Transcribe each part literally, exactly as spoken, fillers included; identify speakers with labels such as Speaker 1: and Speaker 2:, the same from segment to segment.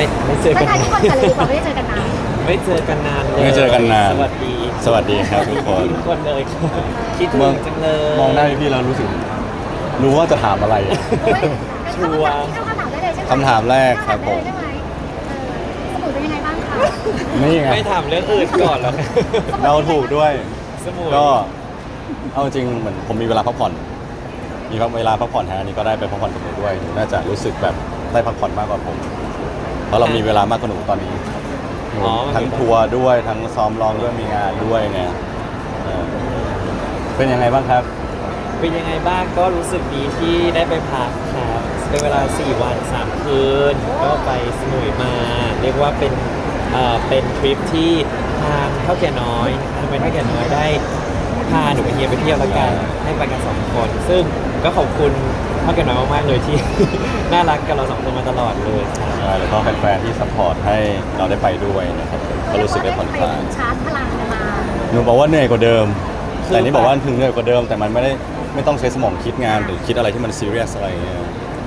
Speaker 1: ไม่ไม่เจอ
Speaker 2: ทั
Speaker 1: กั
Speaker 2: ก
Speaker 1: น
Speaker 2: ทายทุกคนกันเลยดีกว่าไม่ได้เจอกันนาน
Speaker 1: ไม่เจอกันนานเลย
Speaker 3: ไม่เจอกันนาน
Speaker 1: สวัสดี
Speaker 3: สวัสดีครับทุกคน
Speaker 1: ทุกคนเลยครับคิดถึ
Speaker 3: มอง
Speaker 1: งจังเลย
Speaker 3: มองหน้าพี่ๆแล้วรู้สึก รู้ว่าจะถามอะไร
Speaker 2: โอ้ยเป็นคำถามที่เข้าคำถามได้เลยใช่ไหม
Speaker 3: คำถามแรกครับผม
Speaker 2: ใช่ไหมเออสมุดเป็นยังไงบ้างคะ
Speaker 3: นี่ไง
Speaker 1: ไม่ถามเรื่องอื่นก่อนหรอก
Speaker 3: เราถูกด้วย
Speaker 1: สมุย
Speaker 3: ก็เอาจริงเหมือนผมมีเวลาพักผ่อน มีเวลาพักผ่อนฮะอันนี้ก็ได้ไปพักผ่อนกับหนูด้วยหนูน่าจะรู้สึกแบบได้พักผ่อนมากกว่าผม เพราะเรามีเวลามากกว่าหนูตอนนี้หนู
Speaker 1: อ๋อมันมี
Speaker 3: ทั้งทัวร์ด้วยทั้งซ้อมร้องด้วยมีงานด้วยไงเออเป็นยังไงบ้างครับ
Speaker 1: เป็นยังไงบ้างก็รู้สึกดีที่ได้ไปพักครับเป็นเวลาสี่วันสามคืนก็ไปสมุยมา เรียกว่าเป็นเอ่อเป็นทริปที่ทางเท่าแก่น้อยทางเป็นเท่าแก่น้อยได้พาหนูไปเที่ยวไปเที่ยวแล้วกันให้ไปกันสองคน ซึ่งก็ขอบคุณเท่าแก่น้อยมากๆเลยที่ น่ารักกับเราสองคนมาตลอดเลยครับ
Speaker 3: ใช่แล้วก็แฟนๆที่ซัพพอร์ตให้เราได้ไปด้วยนะครับผมก็รู้สึกได้ผ่อนคลาย
Speaker 2: ชาร์จพลังมา
Speaker 3: หนูบอกว่าเหนื่อยกว่าเดิม
Speaker 1: คือ
Speaker 3: แต่นี่บอกว่าถึงเหนื่อยกว่าเดิม แต่มันไม่ได้ไม่ต้องใช้สมองคิดงานหรือคิดอะไรที่มันซีเรียสอะไรอย่างเงี้ย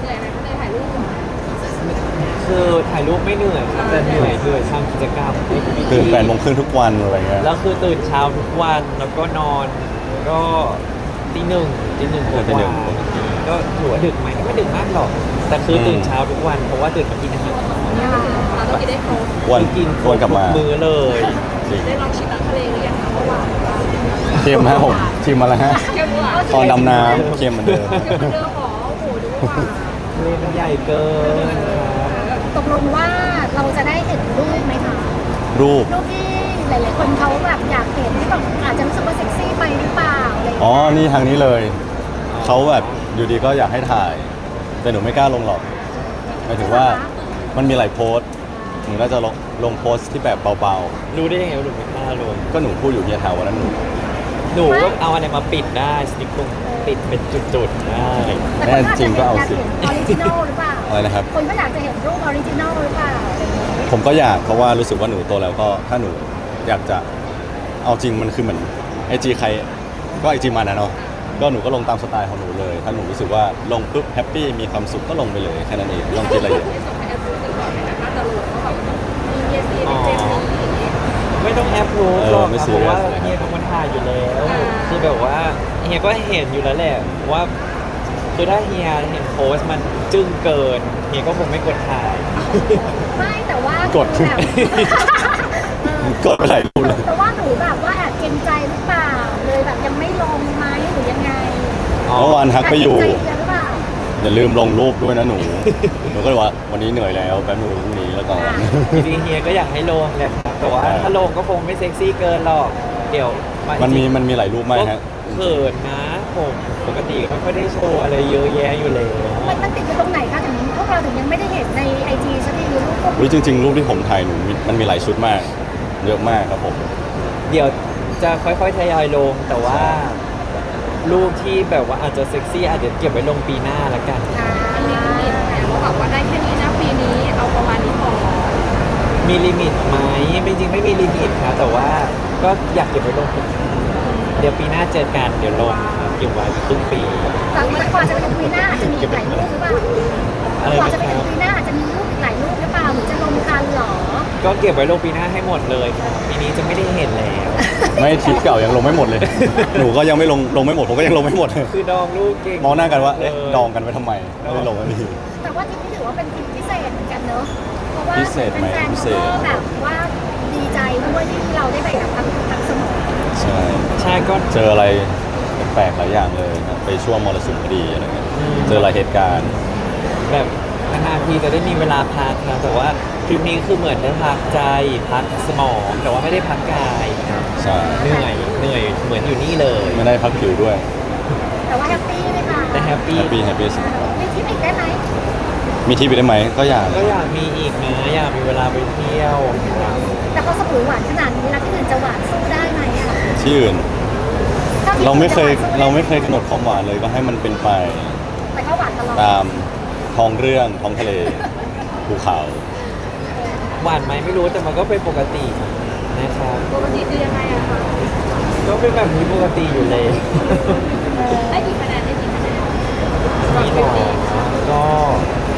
Speaker 1: คือถ่ายรูปไม่เหนื่อยครับแต่เหนื่อยเหนื่อยทำกิจกรรม
Speaker 3: ตื่นแปดโมงครึ่งทุกวันอะไรเงี้ย
Speaker 1: แล้วคือตื่นเช้าทุกวันแล้วก็นอนก็ตีหนึ่งตีหนึ่งกว่าๆก็ถือว่าดึกไหมก็ไม่ดึกมากหรอก แต่คือตื่นเช้าทุกวันเพราะว่าตื่นมากินอาหาร
Speaker 2: เราต้องกินได้ครบ
Speaker 3: วัน
Speaker 1: กิน
Speaker 3: วันกลับมา
Speaker 1: ทุมือเลย
Speaker 3: จริง
Speaker 2: ได้ลองชิมอาหารทะเลหรือยังคะเมื่อวาน
Speaker 3: เค็มฮะผมชิมมาแล้วฮะ
Speaker 2: เค็มหวาน
Speaker 3: ตอนดำน้ำเค็มเหมือนเดิม
Speaker 2: เค็มเหมือนเดิมหรอโอ้โหดูว่า
Speaker 1: ทะเลมันใหญ่เกินครับ
Speaker 2: ตกลงว่าเราจะได้เห็นรูปไหมคะ
Speaker 3: รูป
Speaker 2: รูปที่หลายๆคนเขาแบบอยากเห็นที่แบบอาจจะรู้สึกว่าเซ็กซี่ไปหรือเปล่าอะไรอย่าง
Speaker 3: อ๋อ
Speaker 2: เงี้ย
Speaker 3: นี่ทางนี้เลย เขาแบบอยู่ดีก็อยากให้ถ่าย แต่หนูไม่กล้าลงหรอกหมายถึงว่ามันมีหลายโพสต์หนูน่าจะลงลงโพสต์ที่แบบเบา
Speaker 1: รู้ได้ยังไงว่าหนูไม่กล้าลง
Speaker 3: ๆ ก็หนูพูดอยู่เฮียถามวันนั้นหนู
Speaker 1: หนูก็เอาอะไรมาปิดได้สติ๊กเกอร์ปิดเป็นจุดๆได้
Speaker 2: แต่คนก็จจะอยากเห็นออริจินอลหรือเปล่า
Speaker 3: อะไรนะครับ
Speaker 2: คนก็อยากจะเห็นรูปออริจินอลหรือเปล่าอะไรอย่างเงี้ย
Speaker 3: ผมก็อยากเพราะว่ารู้สึกว่าหนูโตแล้วก็ถ้าหนูอยากจะเอาจริงมันคือเหมือนไอจีใครก็ไอจีมันนะเนาะก็หนูก็ลงตามสไตล์ของหนูเลย ถ้าหนูรู้สึกว่าลงปุ๊บแฮปปี้มีความสุขก็ลงไปเลยแค่นั้นเองไม่ต้องคิดอะไรเยอะ
Speaker 1: อ๋อไม่ต้องแอปรู้หรอกครับเพราะว่าเฮียเป็นคนถ่ายอยู่แล้ว คือแบบว่าเฮียก็เห็นอยู่แล้วแหละว่าคือถ้าเฮียเห็นโพสต์มันจึ้งเกินเฮียก็คงไม่กดถ่าย
Speaker 2: ไม่แต่ว่าก
Speaker 3: ด
Speaker 2: แบบเออก
Speaker 3: ดไปหลายรูปเลย
Speaker 2: แต่ว่าหนูแบบว่าแอบเกรงใจหรือเปล่าเลยแบบยังไม่ลงไหมหรือยังไง
Speaker 1: อ๋อ
Speaker 3: เมื่อวานทักไปอยู่
Speaker 2: แบเกรงใจเฮียหรือเปล่า
Speaker 3: อย่าลืมลงรูปด้วยนะหนู หนูก็เลยว่าวันนี้เหนื่อยแล้วแป๊บนึงพรุ่งนี้แล้วก่อน
Speaker 1: จริงๆเฮียก็อยากให้ลงแหละครับแต่ว่าถ้าลงก็คงไม่เซ็กซี่เกินหรอกเดี๋ยว
Speaker 3: มันมีมันมีหลายรูปมากฮะ
Speaker 1: เขินนะผมปกติไม่ค่อยได้โชว์อะไรเยอะแยะอยู่แล้ว
Speaker 2: มันมันติดอยู่ตรงไหนคะถึงพวกเราถึงยังไม่ได้เห็นในไอจีสักทีรูปพวก
Speaker 3: รู้จริง ๆ รูปที่ผมถ่ายหนูมีมันมีหลายชุดมาก เยอะมากครับผม
Speaker 1: เดี๋ยวจะค่อยๆทยอยลงแต่ว่ารูปที่แบบว่าอาจจะเซ็กซี่อาจจะเก็บไว้ลงปีหน้าละกัน
Speaker 2: อ่า
Speaker 4: เขาบอกว่าได้แค่นี้นะปีนี้เอาประมาณนี้พอ
Speaker 1: มีลิมิตไหมจริงๆไม่มีลิมิตครับแต่ว่าก็อยากเก็บไว้ลงปีหน้าเดี๋ยวปีหน้าเจอกันเดี๋ยวลงครับเก็บไว้ครึ่งปี
Speaker 2: แต่กว่าจะไปถึงปีหน้าอาจจะมีอีกหลายรูปหรือเปล่า
Speaker 1: อะไร
Speaker 2: กว่า
Speaker 1: นะ
Speaker 2: จะไป
Speaker 1: ค
Speaker 2: ถึ
Speaker 1: รับ
Speaker 2: งปีหน้าอาจจะมีรูปอีกหลายรูปหรือเปล่าหรือจะลงทันเหรอ
Speaker 1: ก็เก็บไว้ลงปีหน้าให้หมดเลยครับปีนี้จะไม่ได้เห็นแล้ว
Speaker 3: ไม่ทริปเก่ายังลงไม่หมดเลย หนูก็ยังไม่ลงลงไม่หมดผมก็ยังลงไม่หมดเลย
Speaker 1: คือดองลูกเก่ง
Speaker 3: มองหน้ากันว่าเอ๊ะ
Speaker 1: ลย
Speaker 3: ดองกันไว้ทำไมไม่ได้ลงไม่ดี
Speaker 2: แต่ว่าทริปนี้ถือว่าเป็นทริปพิเศษเหมือนกันเนอะเพราะว่า
Speaker 3: พิเศษไหม
Speaker 2: แฟน
Speaker 3: พิ
Speaker 2: ๆ
Speaker 3: เศ
Speaker 2: ก็
Speaker 3: ษ
Speaker 2: แบบว่าดีใจด้วยที่เราได้ไปกับทั้งทั้งสมอง
Speaker 3: ใช่
Speaker 1: ใช่ก็
Speaker 3: เจออะไรแปลกๆหลายอย่างเลยครับไปช่วงมรสุมพอดีอะไรเงี้ย
Speaker 1: อืม
Speaker 3: เจอหลายเหตุการณ์
Speaker 1: แบบนานๆทีจะได้มีเวลาพักนะแต่ว่าทริปนี้คือเหมือนได้พักใจพักสมอง แต่ว่าไม่ได้พักกายครับ
Speaker 3: ใช่
Speaker 1: เหนื่อยเหนื่อยเหมือนอยู่นี่เลย
Speaker 3: ไม่ได้พักผิวด้วย
Speaker 2: แต่ว่าแฮปปี้ไหมคะ
Speaker 1: แต่แฮปปี้
Speaker 3: แฮปปี้แฮปปี้สุด
Speaker 2: มีทริปอีกได้ไหม
Speaker 3: มีที่ไปได้ไหมก็อยาก
Speaker 1: ก็อยากมีอีกนะอยากมีเวลาไปเที่ยว
Speaker 2: แต่พอสมุยหวานขนาดนี้แล้วที่อื่นจะหวานสู้ได้ไหมอ่ะ
Speaker 3: ที่อื่น
Speaker 2: ถ้ที่
Speaker 3: เราไม่เคย
Speaker 2: จะหวานสู้ด้
Speaker 3: เราไม่เคยกำหนดความหวานเลยก็ให้มันเป็นไป
Speaker 2: แต่ก็หวานตลอด
Speaker 3: ตามท้องเรื่องท้องทะเลภูเขา
Speaker 1: หวานไหมไม่รู้แต่มันก็เป็นปกตินะครับ
Speaker 4: ปกติคือยังไงอะคะ
Speaker 1: ก็เป็นแบบนี้ปกติอยู่เลย
Speaker 4: ได้กี่คะแนนได้กี่คะแนน
Speaker 1: นี่หรอก็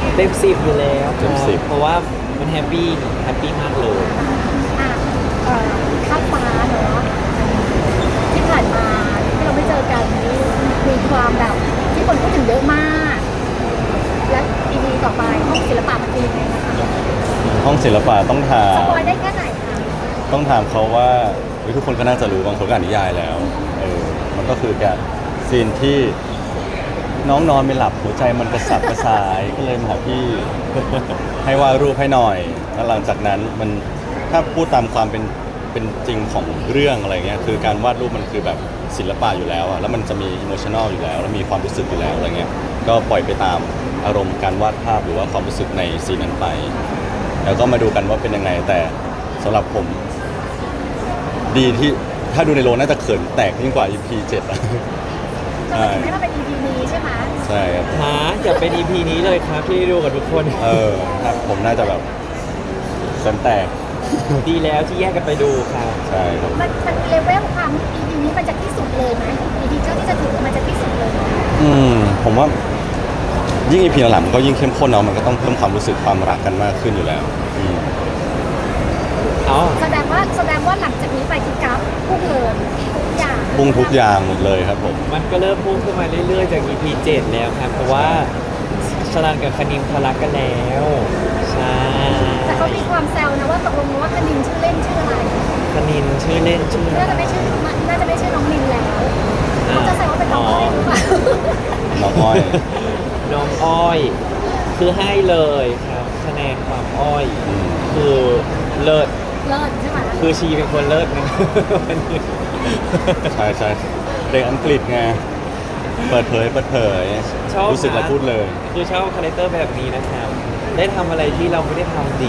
Speaker 1: เต็มสิบอยู่แล้ว
Speaker 3: เต็มสิบ
Speaker 1: เพราะว่ามันแฮปปี้แฮปปี้มากเลย
Speaker 2: อ่ะเอ่อข้ามฟ้าเนาะที่ผ่านมาที่เราไม่เจอกันนี่มีความแบบที่คนพูดถึงเยอะมาก และอีพีต่อไปห้องศิลปะมันเป็นยังไงนะคะ
Speaker 3: ห้องศิลปะต้องถา
Speaker 2: ส
Speaker 3: ม
Speaker 2: ปอยได้แค่ไหนคะ
Speaker 3: ต้องถามเขาว่าเฮ้ยทุกคนก็น่าจะรู้บางคนก็อ่านนิยายแล้วเออมันก็คือการซีนที่น้องนอนไม่หลับหัวใจมันกระสับกระส่าย ก็เลยมาหาพี่ ให้วาดรูปให้หน่อยแล้วหลังจากนั้นมันถ้าพูดตามความเป็นเป็นจริงของเรื่องอะไรเงี้ยคือการวาดรูปมันคือแบบศิลปะอยู่แล้วอะแล้วมันจะมีอิโมชัน a ลอยู่แล้ว แล้วมีความรู้สึกอยู่แล้วอะไรเงี้ยก็ปล่อยไปตามอารมณ์การวาดภาพหรือว่าความรู้สึกในซีนนั้นไป แล้วก็มาดูกันว่าเป็นยังไงแต่สำหรับผม ดีที่ถ้าดูในโรงน่าจะเขินแตกยิ่งกว่า อี พี เจ็ดอะ
Speaker 2: จะมาถึงให้เราเป็น อี พี นี้ใช่ไหม
Speaker 3: ใช่ครับ
Speaker 1: หาอย่าเป็น อี พี นี้เลยครับที่ได้ดูกับทุกคน
Speaker 3: เออครับผมน่าจะแบบเขินแตก
Speaker 1: ดีแล้วที่แยกกันไปดูครับ
Speaker 3: ใช่ครับ
Speaker 2: มันมันเลเวลความ อี พี นี้มันจะที่สุดเลยไหม อี พี เจ้าที่จะถึงมันจะที่สุดเลยไหม
Speaker 3: อืมผมว่ายิ่ง อี พี หลังๆมันก็ยิ่งเข้มข้นเนาะมันก็ต้องเพิ่มความรู้สึกความรักกันมากขึ้นอยู่แล้วอืม
Speaker 1: อ๋อ
Speaker 2: แสดงว่าแสดงว่าหลังจากนี้ไปคือกราฟพุ่งเลยทุกอย่าง
Speaker 3: พุ่งทุกอย่างหมดเลยครับผม
Speaker 1: มันก็เริ่มพุ่งขึ้นมาเรื่อยๆจาก อี พี เจ็ดแล้วครับ เพราะว่าชลันกับคณิมเขารักกันแล้ว ใช่
Speaker 2: แต่เขามีความแซวนะว่าตกลงว่าคณินชื่อเล่นชื่ออะไร
Speaker 1: คณินชื่อเล่นชื่อ
Speaker 2: น่าจะไม่ชื่อน่าจะไม่ชื่อน้องมินแล้วเขาจะแซวว่าเป็นน้องอ้อยหรือเปล่า
Speaker 3: น้องอ้อย
Speaker 1: น้องอ้อย คือให้เลยครับคะแนนความอ้อย
Speaker 3: อืม
Speaker 1: คือเลิศ
Speaker 2: เลิศใช่ไหม
Speaker 1: คือชีเป็นคนเลิศนะ วันนี้
Speaker 3: ใช่ใช่เด็กอังกฤษไงเปิดเผยเปิดเผย
Speaker 1: ชอบ
Speaker 3: รู้สึกอะไร
Speaker 1: นะ
Speaker 3: พูดเลย
Speaker 1: คือชอบคาแรคเตอร์แบบนี้นะครับ ได้ทำอะไรที่เราไม่ได้ทำดี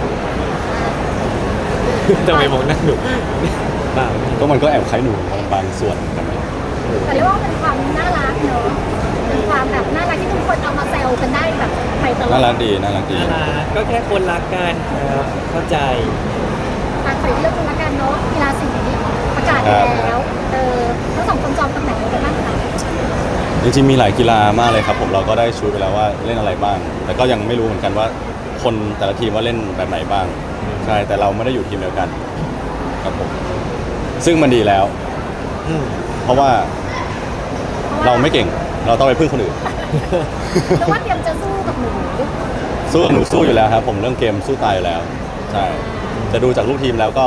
Speaker 1: ทำไมมองหน้าหนูบ้า
Speaker 3: ก็มันก็แอบคล้ายหนูบางส่วนเหมือนกันนะ
Speaker 2: แต่เรียกว่าเป็นความน่ารักเนอะเป็นความแบบน่ารักที่ทุกคนเอามาแซวกันได้แบบไปตลอด
Speaker 3: น่ารักดีน่ารักดี
Speaker 1: น่ารักก็แค่คนรักกันครับ เข้าใจ
Speaker 2: อ่ะขออีกเรื่องนึงละกันเนาะกีฬาสีประกาศไปแล้วเออทั้งสองคนจองตำแหน่งอะไรกันบ้างคะ
Speaker 3: จริงๆมีหลายกีฬามากเลยครับผมเราก็ได้ชูไปแล้วว่าเล่นอะไรบ้าง แต่ก็ยังไม่รู้เหมือนกันว่าคนแต่ละทีมว่าเล่นแบบไหนบ้างใช่แต่เราไม่ได้อยู่ทีมเดียวกันครับผมซึ่งมันดีแล้ว
Speaker 1: อืม
Speaker 3: เพราะว่าเราไม่เก่งเราต้องไปพึ่งคนอื่น
Speaker 2: แต่ว่าเตรียมจะสู้กับหนู
Speaker 3: สู้หนูสู้อยู่แล้วครับผมเรื่องเกมสู้ตายอยู่แล้วใช่จะดูจากลูกทีมแล้วก็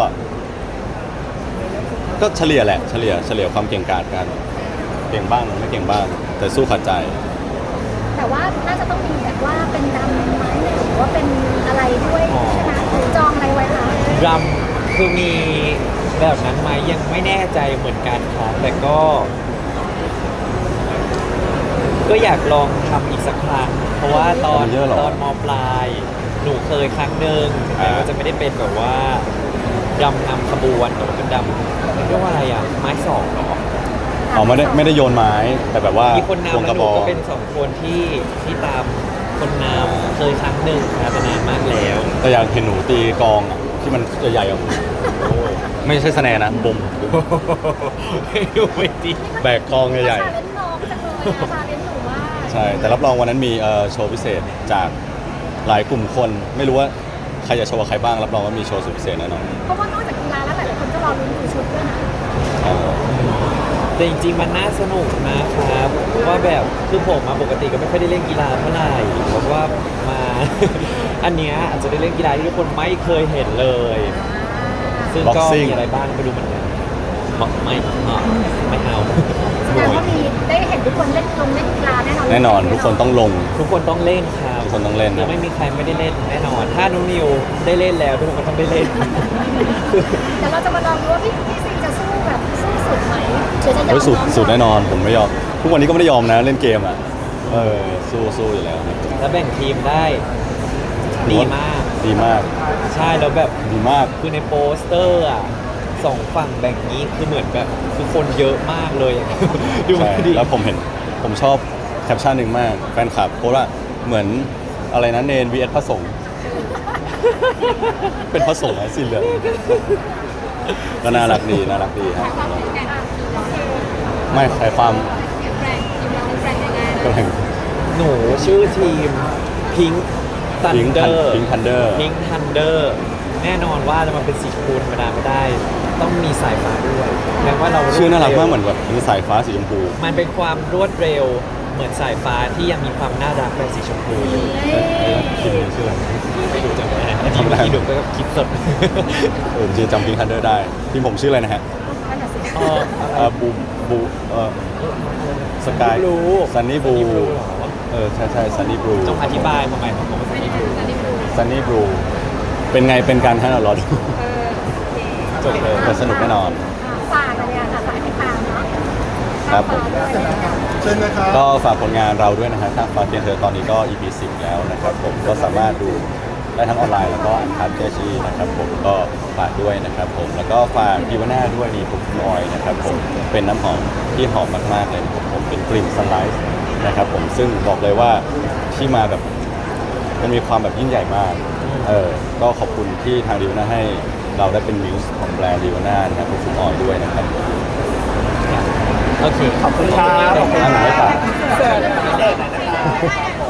Speaker 3: ก็เฉลี่ยแหละเฉลี่ยเฉลี่ยความเก่งกาจกันเก่งบ้างไม่เก่งบ้าง แต่สู้ขัดใจ
Speaker 2: แต่ว่าน่าจะต้องมีแบบว่าเป็นดำไหมหรือว่าเป็นอะไรด้วยใช่ไหมหรือจองอะไรไว้คะ
Speaker 1: รำคือมีแบบนั้นไหมยังไม่แน่ใจเหมือนกันครับแต่ก็ ก็อยากลองทำอีกสักครั้ง เพราะว่าตอน
Speaker 3: มันเยอะเหรอ
Speaker 1: ตอนมปลาย หนูเคยครั้งหนึ่งแต่
Speaker 3: อ่า
Speaker 1: ว่าจะไม่ได้เป็นแบบว่ารำนำขบวนแต่ว่าเป็นรำเรียกว่าอะไรอ่ะ ไม้สองเหรอ
Speaker 3: อ๋อไม่ได้ไม่ได้โยนไม้แต่แบบว่า
Speaker 1: มีคน
Speaker 3: ควง
Speaker 1: นำ
Speaker 3: ก
Speaker 1: แล้ว
Speaker 3: ระ
Speaker 1: ห
Speaker 3: บ
Speaker 1: นู
Speaker 3: อง
Speaker 1: ก็เป็นสองคนที่ที่ตามคนนำเคยครั้งหนึ่งครับแต่นานมากแล้ว
Speaker 3: แต่อยากเห็นหนูตีกลองอะที่มันใหญ่ๆอ่ะไม่ใช่สแนร์นะบม
Speaker 1: ให้ดูไปดิ
Speaker 3: แบกกลองใหญ่
Speaker 2: ชาเลนจ์น้องจังเลยอะชาเลนจ์หนูว่า
Speaker 3: ๆใช่แต่รับรองวันนั้นมีเอ่อโชว์พิเศษจากหลายกลุ่มคน ไม่รู้ว่าใครจะโชว์กับใครบ้างรับรองว่ามีโชว์สุดพิเศษแน่นอน
Speaker 2: เพราะว่านอกจากกีฬาแล้วหลายๆคนก็รอลุ้นดูชุดด้วยนะ
Speaker 3: อ๋อ
Speaker 1: แต่จริงๆมันน่าสนุกนะครับเพราะว่าแบบคือผมมาปกติก็ไม่ค่อยได้เล่นกีฬาเท่าไหร่เพราะว่ามา อันเนี้ยอาจจะได้เล่นกีฬาที่ทุกคนไม่เคยเห็นเลย ซึ่งก็มีอะไรบ้างไปดูเหมือนกันบอกไม่อ่ะไม่เอา
Speaker 2: แสดงว่ามีได้เห็นทุกคนเล่นลงเล่นกีฬาแน่นอน
Speaker 3: แน่นอนทุกคนต้องลง
Speaker 1: ทุกคนต้องเล่นครับ
Speaker 3: ทุกคนต้องเล่น
Speaker 1: ยัง
Speaker 3: นะ
Speaker 1: ไม่มีใครไม่ได้เล่นแน่นอน ถ้านุนิวได้เล่นแล้วทุกคนก็ต้องได้เล่น
Speaker 2: เดี๋ยวเราจะมาลองดูว่าพี่พี่ซีจะสู้แบบสู้สุดไหมหรือจะยอม
Speaker 3: เฮ้ยสุด
Speaker 2: น้อง
Speaker 3: สุดแน่นอนผมไม่ยอมทุกวันนี้ก็ไม่ได้ยอมนะเล่นเกมอ่ะเออสู้สู้อยู่แล้วครับ
Speaker 1: แล้วแบ่งทีมได้ดีมาก ดี
Speaker 3: ดีมาก
Speaker 1: ใช่แล้วแบบ
Speaker 3: ดีมาก
Speaker 1: คือในโปสเตอร์อ่ะสองฝั่งแบ่งนี้คือเหมือนแบบคือคนเยอะมากเลยอะ ดู
Speaker 3: ใช่
Speaker 1: ดิ
Speaker 3: แล้วผมเห็นผมชอบแคปชั่นหนึ่งมากแฟนคลับโพสต์ว่าเหมือนอะไรนะเนน วี เอส พระสงฆ์ เป็นพระสงฆ์นะสีเหลืองก็น่ารักดีน่ารักดีครับ
Speaker 4: ความแข็งแกร่งทีมเรา
Speaker 3: ไม่ใครความ
Speaker 4: แข็งแกร่งทีมเราแข็งแกร่งยังไง
Speaker 3: ก็แข่ง
Speaker 1: หนูชื่อทีมพิงทัน
Speaker 3: Pink
Speaker 1: เดอ
Speaker 3: Thun-
Speaker 1: ร์
Speaker 3: Pink Thunder
Speaker 1: พิงทันเดอร์แน่นอนว่าจะมาเป็นสีชมพูธรรมดาไม่ได้ ต้องมีสายฟ้าด้วยแปลว่าเรา
Speaker 3: ชื่อน่ารักมากเหมื
Speaker 1: ว
Speaker 3: อนแบบเป็นสายฟ้าสีชมพู
Speaker 1: มันเป็นความรวดเร็วเหมือนสายฟ้าที่ยังมีความน่ารักแบบสีชมพูอยู่
Speaker 2: เอ้ย
Speaker 1: คิดชื่ออะไรไม่ดูจังเลยอันนี้
Speaker 3: ทำอะไร
Speaker 1: เมื่อกี้ดูก็คิดสด
Speaker 3: เออจริงๆจำพิงคันเดอร์ได้ทีมผมชื่ออะไรนะฮะ
Speaker 2: นั่นน่ะสิ
Speaker 1: เอออะไร
Speaker 3: เอ่อบูบูเอ่อสกาย
Speaker 1: รู้
Speaker 3: ซันนี่บู
Speaker 1: เหรอ
Speaker 3: เออใช่ใช่ซันนี่บลู
Speaker 1: ต้องอธิบายมาใหม่ของผมว่า
Speaker 4: ไม่
Speaker 1: สัน
Speaker 4: ได้
Speaker 1: นิบ
Speaker 4: ดูซันนี่บลู
Speaker 3: ซันนี่บลูเป็นไงเป็นการให้เรารอดู
Speaker 4: เออโอเค
Speaker 1: จบเลย
Speaker 3: แต่สนุกแน่นอน
Speaker 2: อ่าฝากอะไรอ่ะค่ะฝากให้ตามเนาะ
Speaker 3: ครับผม
Speaker 2: ฝากด้วยนะคะ
Speaker 5: เชิญนะครับ
Speaker 3: ก็ฝากผลงานเราด้วยนะฮะทางฟาเทียนเธอตอนนี้ก็ อี พี สิบแล้วนะครับผมก็สามารถดูได้ทั้งออนไลน์แล้วก็อันคัดเจชีนะครับผมก็ฝากด้วยนะครับผมแล้วก็ฝากดีวาน่าด้วยดีผมออยนะครับผมเป็นน้ำหอมที่หอมมากๆเลยนะครับผมเป็นกลิ่นซันไลท์นะครับผมซึ่งบอกเลยว่าที่มาแบบมันมีความแบบยิ่งใหญ่มากเออก็ขอบคุณที่ทางดีวาน่าให้เราได้เป็นมิวส์ของแบรนด์ดีวาน่านะครับผมออยด้วยนะครับ
Speaker 1: โอเค ขอบคุณครับ
Speaker 3: ขอบคุณครับ
Speaker 1: เสิร์ฟเด็กหน่อยนะครับ